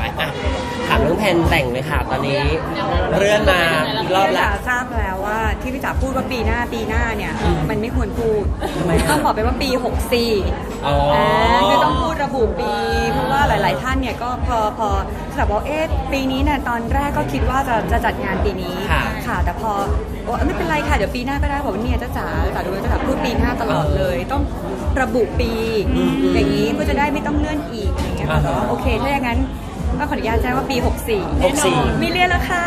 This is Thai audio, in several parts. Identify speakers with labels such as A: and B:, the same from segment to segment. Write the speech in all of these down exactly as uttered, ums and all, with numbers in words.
A: ไปอ่ะถามเรื่องแผนแต่งเลยค่ะตอนนี้เลื่อนมาอีกรอบแล้ว
B: ทราบแล้วว่าที่พี่จ๋าพูดว่าปีหน้าปีหน้าเนี่ยมันไม่ควรพูดต้องบอกไปว่าปีหกสี่
A: อ๋อ
B: คือต้องพูดระบุปีเพราะว่าหลาย ๆ ท่านเนี่ยก็พอพอแบบว่าเอ๊ะปีนี้เนี่ยตอนแรกก็คิดว่าจะจะจัดงานปีนี้ค่ะแต่พอโอ้ไม่เป็นไรค่ะเดี๋ยวปีหน้าก็ได้บอกว่าเนี่ยจ้าจ๋าจ๋าดูจ้าจ๋าพูดปีหน้าตลอดเลยต้องระบุปีอย่างนี้เพื่อจะได้ไม่ต้องเลื่อนอีกอย่างเงี้ยค่ะแต่ว่าโอเคถ้าอย่างนั้นก็ขออนุญาตแจ้งว่าปีหกสี่
A: หกสี่
B: ไม่เรียนแล้วค่ะ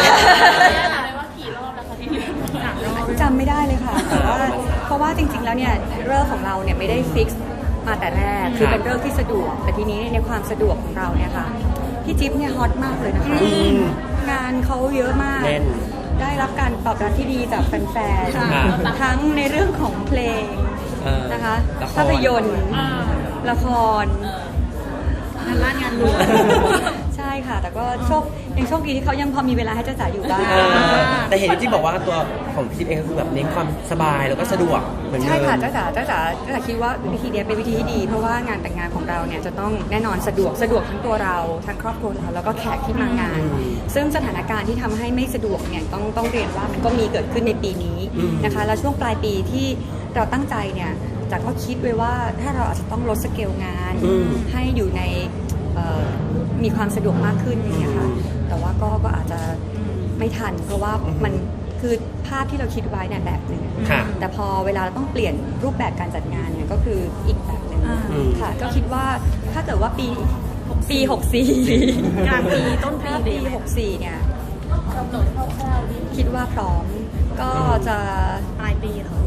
B: จำไม่ได้เลยค่ะแต่ว่าเพราะว่าจริงๆแล้วเนี่ยเรื่องของเราเนี่ยไม่ได้ฟิกซ์มาแต่แรกคือเป็นเรื่องที่สะดวกแต่ทีนี้ในความสะดวกของเราเนี่ยค่ะพี่จิ๊บเนี่ยฮอตมากเลยนะคะงานเขาเยอะมากได้รับการตอบรับที่ดีจากแฟนๆทั้งในเรื่องของเพลงนะคะภาพยนตร์ละครงานล่างานรวมใช่ค่ะแต่ก็โชคยังโชคดีที่เขายังพอมีเวลาให้จ้าจ๋าอยู่บ้าง
A: แต่เห็นพี่จิ๊บบอกว่าตัวของพี่จิ๊บเองก็คือแบบเน้นความสบายแล้วก็สะดวกเหมือนเดิม
B: ใช่ค่ะจ้าจ๋าจ้าจ๋าจ้าจ๋าคิดว่าวิธีนี้เป็นวิธีที่ดีเพราะว่างานแต่งงานของเราเนี่ยจะต้องแน่นอนสะดวกสะดวกทั้งตัวเราทั้งครอบครัวเราแล้วก็แขกที่มางานซึ่งสถานการณ์ที่ทำให้ไม่สะดวกเนี่ยต้องต้องเรียนว่ามันก็มีเกิดขึ้นในปีนี้นะคะแล้วช่วงปลายปีที่เราตั้งใจเนี่ยจ๋าก็คิดไว้ว่าถ้าเราอาจจะต้องลดสเกลงานให้อยู่ในมีความสะดวกมากขึ้นอย่างเงี้ยค่ะแต่ว่าก็ก็อาจจะไม่ทันเพราะว่ามันคือภาพที่เราคิดไว้เนี่ยแบบหนึ่งแต่พอเวลาเราต้องเปลี่ยนรูปแบบการจัดงานเนี่ยก็คืออีกแบบหนึ่งค่ะก็คิดว่าถ้าเกิดว่าปีปีหกสี่กลางปีต้นปีปีหกสี่เนี่ยคิดว่าพร้อมก็จะปลายปีเหรอ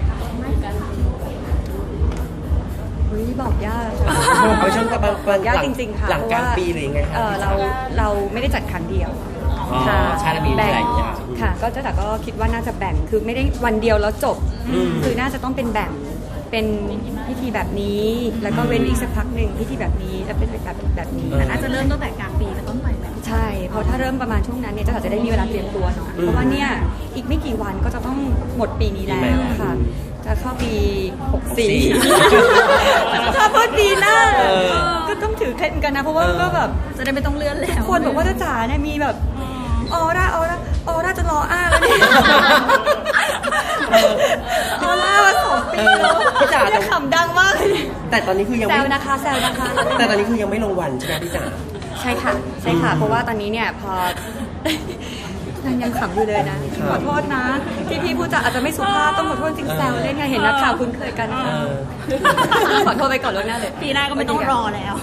B: บอกยาก
A: เอาช่วงประมาณ
B: ยากจริงๆค่ะ
A: หลังกลางปีหรือยังไงคะ
B: เราเราไม่ได้จัดครั้งเดียว
A: ค่ะใช่แล้วมีหลายอย่าง
B: ค่ะก็จะแต่ก็คิดว่าน่าจะแบ่งคือไม่ได้วันเดียวแล้วจบคือน่าจะต้องเป็นแบ่งเป็นพิธีแบบนี้แล้วก็เว้นอีกสักพักหนึ่งพิธีแบบนี้แล้วเป็นแบบแบบนี้
C: แต่น่าจะเริ่มตั้งแต่กลางปีเป็นต้นไปแบบ
B: ใช่เพราะถ้าเริ่มประมาณช่วงนั้นเนี่ยจะจะได้มีเวลาเตรียมตัวหน่อยเพราะว่าเนี่ยอีกไม่กี่วันก็จะต้องหมดปีนี้แล้วค่ะจะเข้าปีหกสี่ถ้าเพิ่งปีหน้าก็ต้องถือเคล็ดกันนะเพราะว่าก็แบบ
C: จะได้ไม่ต้องเลื่อนแล้ว
B: คนบอกว่าจะจ๋าเนี่ยมีแบบออร่าออร่าออร่าจะรออ้าแล้วเนี่ยออร่ามาสองปีแล้ว
A: พี่จ๋า
B: จะขำดังมากเลย
A: แต่ตอนนี้คือยัง
B: แซวนะคะแซวนะคะ
A: แต่ตอนนี้คือยังไม่ลงวันใช่ไหมพี่จ๋า
B: ใช่ค่ะใช่ค่ะเพราะว่าตอนนี้เนี่ยพอยังขำอยู่เลยนะขอโทษนะที่พี่พูดจาอาจจะไม่สุภาพต้องขอโทษจริงแซวเล่นไงเห็นนักข่าวคุ้นเคยกันขอโทษไปก่อนล่วงหน้าเลย
C: ปีหน้าก็ไม่ต้องรอแล้ว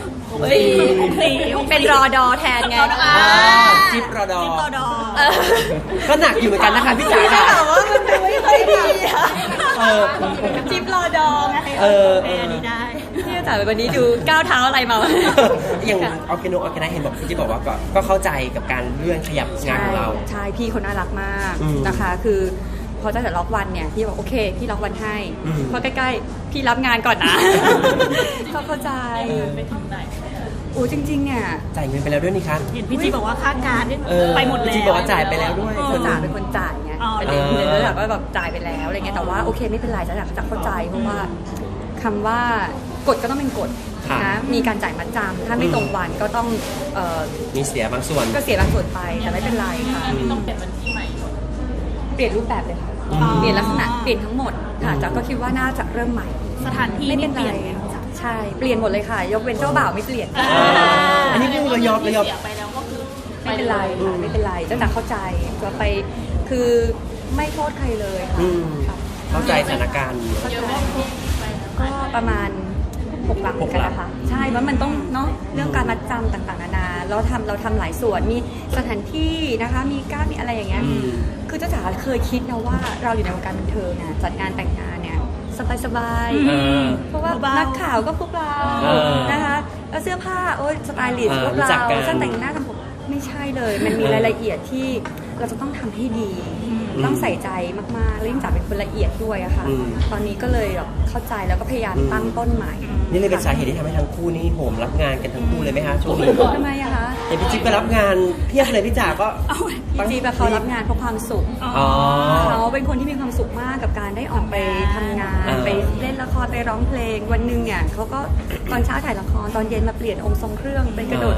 B: เป็นรอดอแทนไง
A: จิ๊บรอดอ
C: จิ๊บรอดอ
A: ก็หนักอยู่เหมือนกันนะคะพี่จ๋า
B: แต่ว่ามันดูไม่ค่อยดีจิ๊บรอดอไง
A: เออ
C: เออดีได้
B: พี่จ๋าวันนี้ดูก้าวเท้าอะไรมา
A: อย่างออร์แกโนออร์แกไนเห็นบอกพี่จิ๊บบอกว่าก็เข้าใจกับการเลื่อนขยับงานของเรา
B: ใช่พี่เขาน่ารักมากนะคะคือพอจะแต่ล็อกวันเนี่ยพี่บอกโอเคพี่ล็อกวันให้เพราะใกล้ๆพี่รับงานก่อนนะเขาเข้าใจโอ้จริงๆเนี่ย
A: จ่ายเงินไปแล้วด้วยนี่คะ
C: เห็นพี่จีบอกว่าค่าการไปหมดแล้ว
A: พี่จีบอกว่าจ่ายไปแล้วด้วย
B: เขาจ่ายเป็นคนจ่ายไงประเด็นเลยแล้วก็แบบจ่ายไปแล้วอะไรเงี้ยแต่ว่าโอเคไม่เป็นไรจะอยากจะเข้าใจเพราะว่าคำว่ากฎก็ต้องเป็นกฎนะมีการจ่ายมัดจำถ้าไม่ตรงวันก็ต้อง
A: มีเสียบางส่วน
B: ก็เสียบางส่วนไปแต่ไม่เป็นไรค่ะ
C: ต้องเปลี่ยนวันที่ใหม่
B: เปลี่ยนรูปแบบเลยค่ะเปลี่ยนลักษณะเปลี่ยนทั้งหมดค่ะจ๊ะก็คิดว่าน่าจะเริ่มใหม่
C: สถานที่
B: ไม่เป็นไรใช่เปลี่ยนหมดเลยค่ะยกเว้นเจ้าบ่าวไม่เปลี่ยน
A: อันนี้คือเรายอมเรายอม
C: ไปแล้วก็คือ
B: ไม่เป็นไรค่ะไม่เป็นไรจ๊ะเข้าใจก็ไปคือไม่โทษใครเลยค่ะ
A: เข้าใจสถานการณ์
B: ก็ประมาณหกหลักกันนะคะใช่เพราะมันต้องเนาะเรื่องการมัดจำต่างๆนานาเราทำเราทำหลายส่วนมีสถานที่นะคะมีการมีอะไรอย่างเงี้ยคือจ้าจ๋าเคยคิดนะว่าเราอยู่ในวงการบันเทิงนะจัดงานแต่งงานเนี่ยสบายๆเพราะว่านักข่าวก็พวกเรานะคะแล้วเสื้อผ้าโอ๊ยสไตลิสต์พวกเราช่างแต่งหน้าทำผมไม่ใช่เลยมันมีรายละเอียดที่เราจะต้องทำให้ดีต้องใส่ใจมากๆและยิ่งจ๋าเป็นคนละเอียดด้วยอะค่ะตอนนี้ก็เลยเข้าใจแล้วก็พยายามตั้งต้นใหม่
A: นี่เลยเป็นสาเหตุที่ทำให้ทั้งคู่นี่โหมรับงานกันทั้งคู่เลยไหมคะช่วงนี้
B: ทำไมอะคะ
A: อย่างพี่จิ๊บก็รับงานเพียบเลยพี่จ๋าก็
B: พี่จิ๊บเขารับงานเพราะความสุขเขาเป็นคนที่มีความสุขมากกับการได้ออกไปทำงานไปเล่นละครไปร้องเพลงวันหนึ่งเนี่ยเขาก็ตอนเช้าถ่ายละครตอนเย็นมาเปลี่ยนองค์ทรงเครื่องไปกระโดดรถ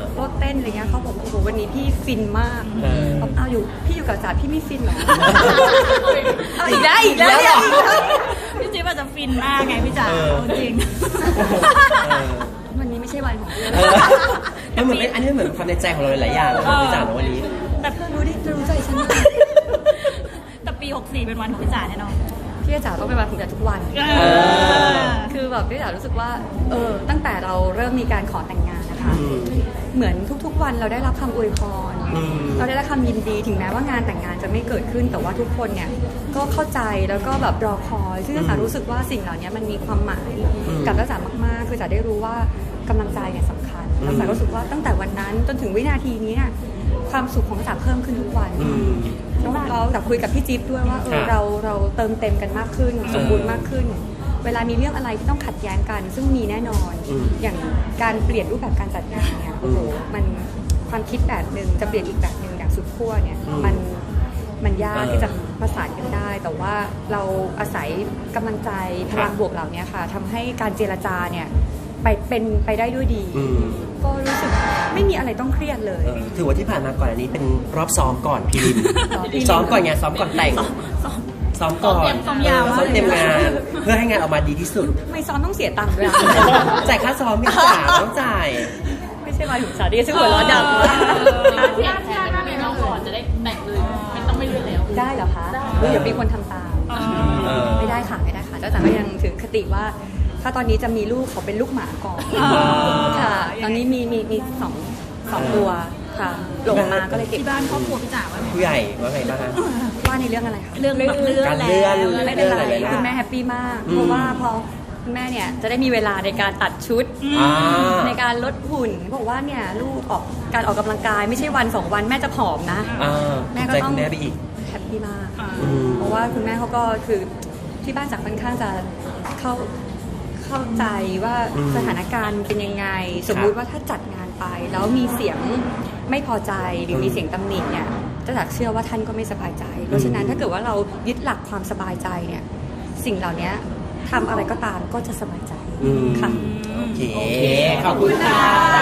B: ต้นอะไรเงี้ยเขาบอกโอ้โหวันนี้พี่ฟินมาก
A: เออ
B: บอกอ้าวอยู่พี่อยู่กับจ๋าพี่ไม่ฟินเหรอ เอาอีกแล้วอีกแล้วเนี่ย
C: พี่จิ๊บอาจจะฟินมากไงพี่จ๋า
A: เออ
C: เอาจริง
A: เออ
B: วันนี้ไม่ใช่วันของเธอ
A: เออมันเหมือนเป็นอันนี้เหมือนความในใจของเราหลายๆอย่างของพี่จ๋าในวันนี้
B: แต่เธอรู้ดิเธอรู้ใจฉันมาก
C: แต่ปีหกสี่เป็นวันของพี่จ๋าแน่นอน
B: พี่จ๋าต้องเป็นวันของจ๋าทุกวัน
C: เออ
B: คือแบบพี่จ๋ารู้สึกว่าเออตั้งแต่เราเริ่มมีการขอแต่งงานนะคะ
A: อืม
B: เหมือนทุกๆวันเราได้รับคำอวยพร
A: อืม
B: เราได้รับคำยินดีถึงแม้ว่างานแต่งงานจะไม่เกิดขึ้น แต่ว่าทุกคนเนี่ยก็เข้าใจแล้วก็แบบรอคอยซึ่งจ๋ารู้สึกว่าสิ่งเหล่านี้มันมีความหมายกับจ๋ามากๆคือจ๋าได้รู้ว่ากำลังใจเนี่ยสำคัญแล้วจ๋ารู้สึกว่าตั้งแต่วันนั้นจนถึงวินาทีนี้เนี่ยความสุขของจ๋าเพิ่มขึ้นทุกวัน
A: อืม
B: แล้วเราแต่คุยกับพี่จิ๊บด้วยว่าเออ
A: ค่ะ
B: เราเราเติมเต็มกันมากขึ้น สมบูรณ์มากขึ้น เวลามีเรื่องอะไรที่ต้องขัดแย้งกัน ซึ่งมีแน่นอน
A: อืม
B: อย่างการเปลี่ยนรูปแบบการจัดงานเนี่ยโอ้โหมันความคิดแบบหนึ่งจะเปลี่ยนอีกแบบหนึ่งอย่างสุดขั้วเนี่ย
A: อืม
B: มันมันยาก
A: เออ
B: ที่จะประสานกันได้ แต่ว่าเราอาศัยกำลังใจพลัง
A: ค่ะ
B: บวกเหล่านี้ค่ะทำให้การเจรจาเนี่ยไปเป็นไปได้ด้วยดี
A: อืม
B: ก็รู้สึกไม่มีอะไรต้องเครียดเลย
A: เออถือว่าที่ผ่านมาก่อนอันนี้เป็นรอบซ้อมก่อนพีริม
B: ซ้อมพรีลิม
A: ซ้อมก่อนไงซ้อมก่อนแต่ง ซ้อมก่อน
C: ซ้อมยาวมาก
A: ซ้อมเต็มงาน เพื่อให้งานออกมาดีที่สุด
B: ไม่ซ้อมต้องเสียตังค์ด้วยอะ
A: จ่ายค่าซ้อมไม่จ่ายต้องจ่าย
B: ไม่ใช่มาถึงสาดีซึ่งหัวเร้อนดังมาก
C: ที่อาที่อาหน้ามีน้องก่อนจะได้แต่งเลยไม่ต้องไม่เลื่อนแล้ว
B: ได้เหรอคะเดี๋ยวมีคนทำตาม
A: เออ
B: ไม่ได้ค่ะไม่ได้ค่ะเจ้าจ๋าก็ยังถือคติว่า ถ้าตอนนี้จะมีลูกขอเป็นลูกหมาก่อน
C: อ๋อ
B: ค่ะ ตอนนี้มีมีมีสองสองตัวค่ะหลงมาก็เลยเก็บ
C: ที่บ้านครอบครัวพี่จ๋าว่าไง
A: ผู้ใหญ่ว่าไงบ้างฮะ
B: ว่าในเรื่องอะไรคะ
C: เรื่องแบบเลื่อน
A: การ
C: แล้
A: เลื่อน
C: ว
B: ไม่เป็นไร
A: เรื่องอะไรนะ
B: คุณแม่แฮปปี้มาก
A: อืม
B: เพราะว่าพอคุณแม่เนี่ยจะได้มีเวลาในการตัดชุด
A: อ่า
B: ในการลดหุ่นบอกว่าเนี่ยลูกออกการออกกำลังกายไม่ใช่วันสองวันแม่จะผอมนะ
A: อ่า
B: แม่ก็
A: ใจ
B: ต้อ
A: คุ
B: ง
A: ณแม่ไปอีก
B: แฮปปี้มาก
A: อืม
B: เพราะว่าคุณแม่เขาก็คือที่บ้านจากค่อนข้างจะเข้าเข้าใจว่า
A: อืม
B: สถานการณ์เป็นยังไง สมมุติว่าถ้าจัดงานไป แล้วมีเสียงไม่พอใจหรือมีเสียงตำหนิเนี่ยจะจากเชื่อว่าท่านก็ไม่สบายใจ เพราะฉะนั้นถ้าเกิดว่าเรายึดหลักความสบายใจเนี่ยสิ่งเหล่านี้ทำอะไรก็ตามก็จะสบายใจ
A: อืม
B: ค่ะ
A: โอเค ขอบคุณค่ะ